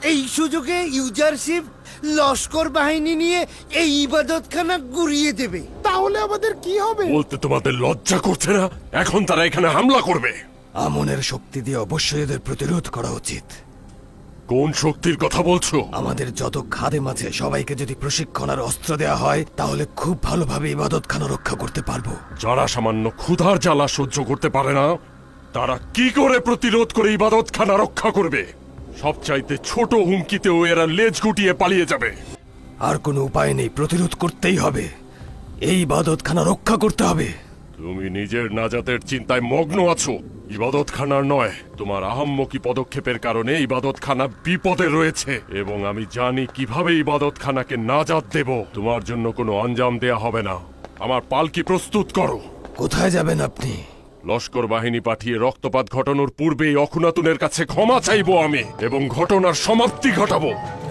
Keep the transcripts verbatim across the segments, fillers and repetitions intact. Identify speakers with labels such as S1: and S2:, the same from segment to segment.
S1: এই সুযোগে ইউজারশিপ লস্কর বাহিনী নিয়ে এই ইবাদতখানা গুড়িয়ে দেবে।
S2: তাহলে আমাদের কি হবে?
S3: বলতে তোমাদের লজ্জা করছে না? এখন তারা এখানে হামলা করবে।
S4: আমনের শক্তি দিয়ে অবশ্যই এদের প্রতিরোধ করা উচিত।
S3: কোন শক্তির কথা বলছো?
S4: আমাদের যত খাদেম আছে সবাইকে যদি প্রশিক্ষণ আর অস্ত্র দেওয়া হয় তাহলে খুব ভালোভাবে ইবাদতখানা রক্ষা করতে পারবো।
S3: যারা সামান্য ক্ষুধার জ্বালা সহ্য করতে পারে না তারা কি করে প্রতিরোধ করে ইবাদতখানা রক্ষা করবে? সবচাইতে ছোট হুমকিতেও এরা লেজ গুটিয়ে পালিয়ে যাবে।
S4: আর কোনো উপায় নেই, প্রতিরোধ করতেই হবে। এই ইবাদতখানা রক্ষা করতে হবে।
S3: তুমি নিজের নাজাতের চিন্তায় মগ্ন আছো, ইবাদতখানার নয়। তোমার আহাম্মকি পদক্ষেপের কারণে ইবাদতখানা বিপদে রয়েছে এবং আমি জানি কিভাবে ইবাদতখানাকে নাজাত দেব। তোমার জন্য কোনো আঞ্জাম দেয়া হবে না। আমার পালকি প্রস্তুত করো।
S4: কোথায় যাবেন আপনি?
S3: লস্কর বাহিনী পাঠিয়ে রক্তপাত ঘটানোর পূর্বেই অখুনাতুনের কাছে ক্ষমা চাইবো আমি এবং ঘটনার সমাপ্তি ঘটাবো।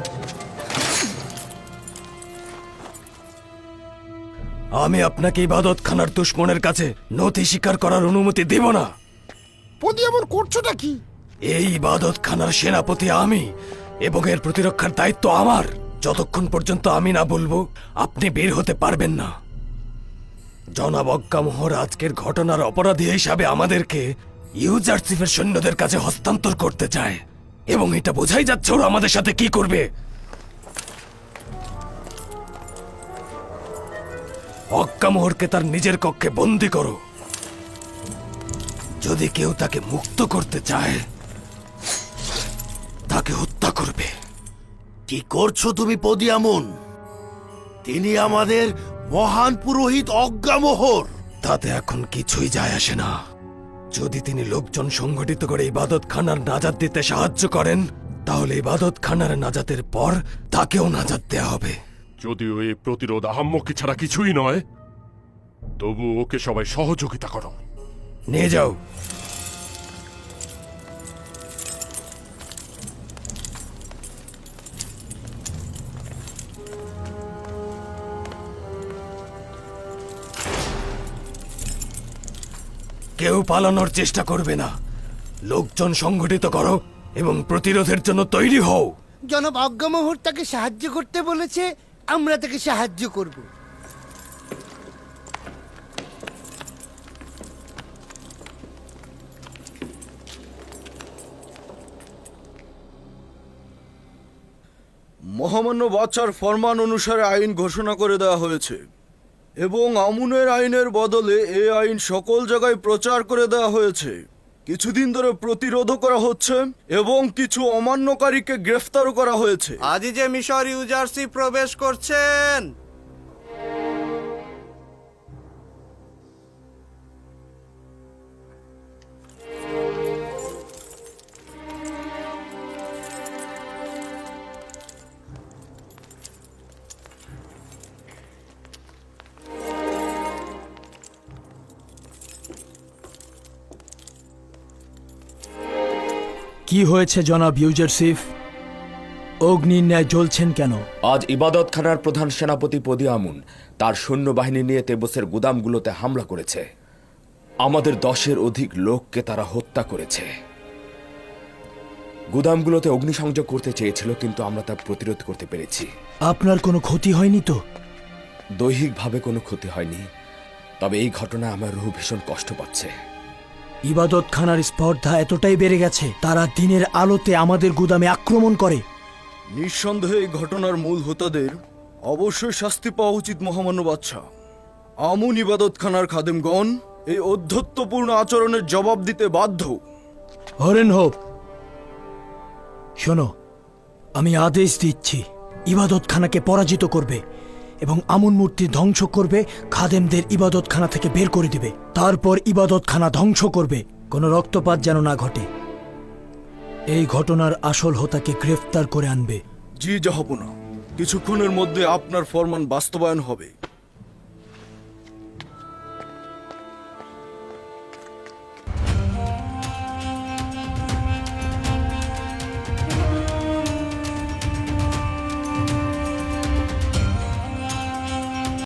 S4: আমি আপনাকে ইবাদতখানার দুশমনের কাছে নথি স্বীকার করার অনুমতি দেব না।
S2: পদি এমন করছোটা কি?
S4: এই ইবাদতখানার সেনাপতি আমি এবং এর প্রতিরক্ষার দায়িত্ব আমার। যতক্ষণ পর্যন্ত আমি না বলবো আপনি বের হতে পারবেন না। জনাব অজ্ঞামোহর আজকের ঘটনার অপরাধী হিসাবে আমাদেরকে ইউজারশিপের সৈন্যদের কাছে হস্তান্তর করতে চায় এবং এটা বোঝাই যাচ্ছে ওরা আমাদের সাথে কি করবে। অজ্ঞামোহরকে তার নিজের কক্ষে বন্দী করো। যদি কেউ তাকে মুক্ত করতে চায় তাকে হত্যা করবে।
S5: কি করছো তুমি পদিয়ামুন? তিনি আমাদের মহান পুরোহিত অজ্ঞামোহর।
S4: তাতে এখন কিছুই যায় আসে না। যদি তিনি লোকজন সংগঠিত করে ইবাদতখানার নাজাত দিতে সাহায্য করেন তাহলে ইবাদতখানার নাজাতের পর তাকেও নাজাত দেয়া হবে।
S3: যদিও এই প্রতিরোধ আহাম্মকি ছাড়া কিছুই নয়, তবু ওকে সবাই সহযোগিতা করো।
S4: নিয়ে যাও। কেউ পালানোর চেষ্টা করবে না। লোকজন সংগঠিত করো এবং প্রতিরোধের জন্য তৈরি হও।
S1: জনাব অজ্ঞামোহর তাকে সাহায্য করতে বলেছে, আমরা তাকে সাহায্য করব।
S6: মহামান্য বাদশার ফরমান অনুসারে আইন ঘোষণা করে দেওয়া হয়েছে এবং আমুনের আইনের বদলে এই আইন সকল জায়গায় প্রচার করে দেওয়া হয়েছে। কিছুদিন ধরে প্রতিরোধও করা হচ্ছে এবং কিছু অমান্যকারীকে গ্রেফতারও করা হয়েছে।
S7: আজই যে মিশর ইউজারশিপ প্রবেশ করছেন।
S8: কি হয়েছে জনাব ইউজারশিপ? অগ্নির ন্যায় জ্বলছেন কেন?
S9: আজ ইবাদতখানার প্রধান সেনাপতি পদিয়ামুন তার সৈন্যবাহিনী নিয়ে তেবসের গুদামগুলোতে হামলা করেছে। আমাদের দশের অধিক লোককে তারা হত্যা করেছে। গুদামগুলোতে অগ্নিসংযোগ করতে চেয়েছিল, কিন্তু আমরা তা প্রতিরোধ করতে পেরেছি।
S8: আপনার কোনো ক্ষতি হয়নি তো?
S9: দৈহিকভাবে কোনো ক্ষতি হয়নি, তবে এই ঘটনায় আমার রুহ ভীষণ কষ্ট পাচ্ছে।
S8: ইবাদতখানার স্পর্ধা এতটাই বেড়ে গেছে তারা দিনের আলোতে আমাদের গুদামে আক্রমণ করে।
S6: নিঃসন্দেহে এই ঘটনার মূল হোতাদের অবশ্যই শাস্তি পাওয়া উচিত মহামান্য বাদশা। আমুন ইবাদতখানার খাদেমগণ এই অধ্যত্বপূর্ণ আচরণের জবাব দিতে বাধ্য।
S8: হরেন হোপ, শোনো, আমি আদেশ দিচ্ছি ইবাদতখানাকে পরাজিত করবে এবং আমুন মূর্তি ধ্বংস করবে, খাদেমদের ইবাদতখানা থেকে বের করে দিবে। তারপর ইবাদতখানা ধ্বংস করবে, কোনো রক্তপাত যেন না ঘটে। এই ঘটনার আসল হোতাকে গ্রেফতার করে আনবে।
S6: জি জাহাপনা, কিছুক্ষণের মধ্যে আপনার ফরমান বাস্তবায়ন হবে।